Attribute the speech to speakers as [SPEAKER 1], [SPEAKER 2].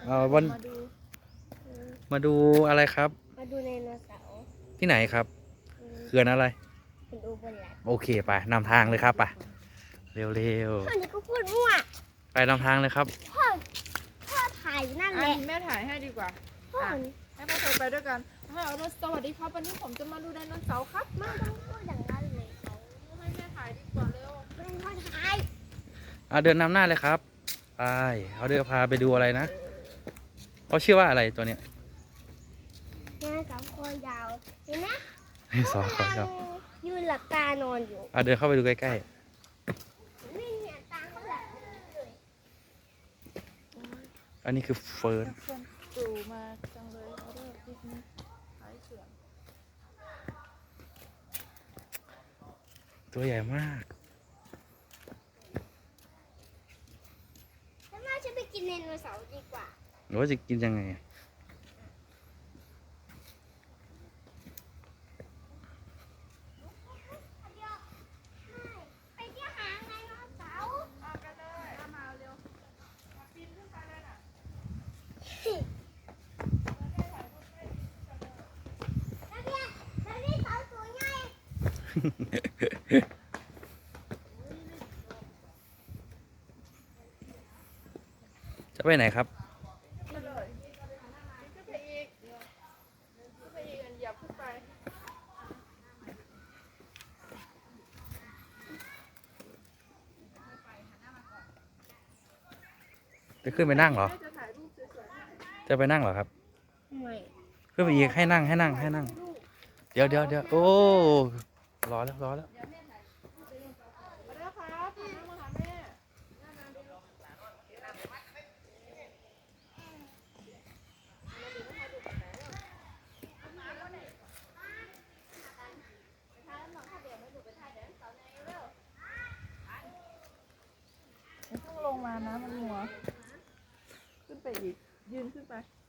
[SPEAKER 1] วัน
[SPEAKER 2] มาดู
[SPEAKER 1] มาดูอะไรครับ
[SPEAKER 3] มาดูไดโนเสาร์
[SPEAKER 1] ที่ไหนครับเขื่อนอะไร
[SPEAKER 3] เป็นอุบลรัตน์
[SPEAKER 1] โอเคไปนำทางเลยครับไปเร็ว
[SPEAKER 3] พ่อนี่ก็พูดมั่ว
[SPEAKER 1] ๆไปนำทางเลยครับ
[SPEAKER 3] พ่อถ่ายนั่นแหละ
[SPEAKER 2] แม่ถ่ายให้ดีกว่า
[SPEAKER 3] พ่อ
[SPEAKER 2] ให้พ่อเธอไปด้วยกันสวัสดีครับวันนี้ผมจะมาดูไดโนเสาร์ครับ
[SPEAKER 3] ไม่ต้องพูดอย่างนั้นเลยเขา
[SPEAKER 2] ให้แม่ถ่ายดีกว่าเร็ว
[SPEAKER 3] ไม่พ่อถ่าย
[SPEAKER 1] เดินนำหน้าเลยครับไปเขาเดินพาไปดูอะไรนะเขาชื่อว่าอะไรตัวเนี้ย
[SPEAKER 3] งานกับคอยาวเห็นไหม
[SPEAKER 1] สองคนครับ
[SPEAKER 3] ยืนหลับตานอนอยู่
[SPEAKER 1] เดินเข้าไปดูใกล้
[SPEAKER 3] นี่เนี่ยตาเขาหลับเลย
[SPEAKER 1] ๆอันนี้คือเฟิร์น
[SPEAKER 2] ตู่มาจังเลยเขาเรียกพิกนิกขายเสือ
[SPEAKER 1] ตัวใหญ่มาก
[SPEAKER 3] ฉันว่าฉันไปกินไดโนเสาร์ดีกว่า
[SPEAKER 1] หรือว่าจะกินยังไง
[SPEAKER 3] ไปเที่ยวหาไดโนเสาร์
[SPEAKER 2] กันเลยมาเร็วมาปีนขึ้นไปเลยน่ะ
[SPEAKER 3] แล้วนี่เสาตัวใหญ่
[SPEAKER 1] จะไปไหนครับ
[SPEAKER 2] ขึ้นเลยขึ้นไปอีกขึ้นไปอีกอย่าขึ้นไป
[SPEAKER 1] จะขึ้นไปนั่งเหรอ
[SPEAKER 2] จะถ่ายรูปสวย
[SPEAKER 1] จะไปนั่งเหรอครับ
[SPEAKER 3] ไม่
[SPEAKER 1] ขึ้นไปอีกให้นั่งเดี๋ยวโอ้รอแล้ว
[SPEAKER 2] ๆมาแล้วครับมาหาแม่ต้องลงมานะมันหัวขึ้นไปอีกยืนขึ้นไป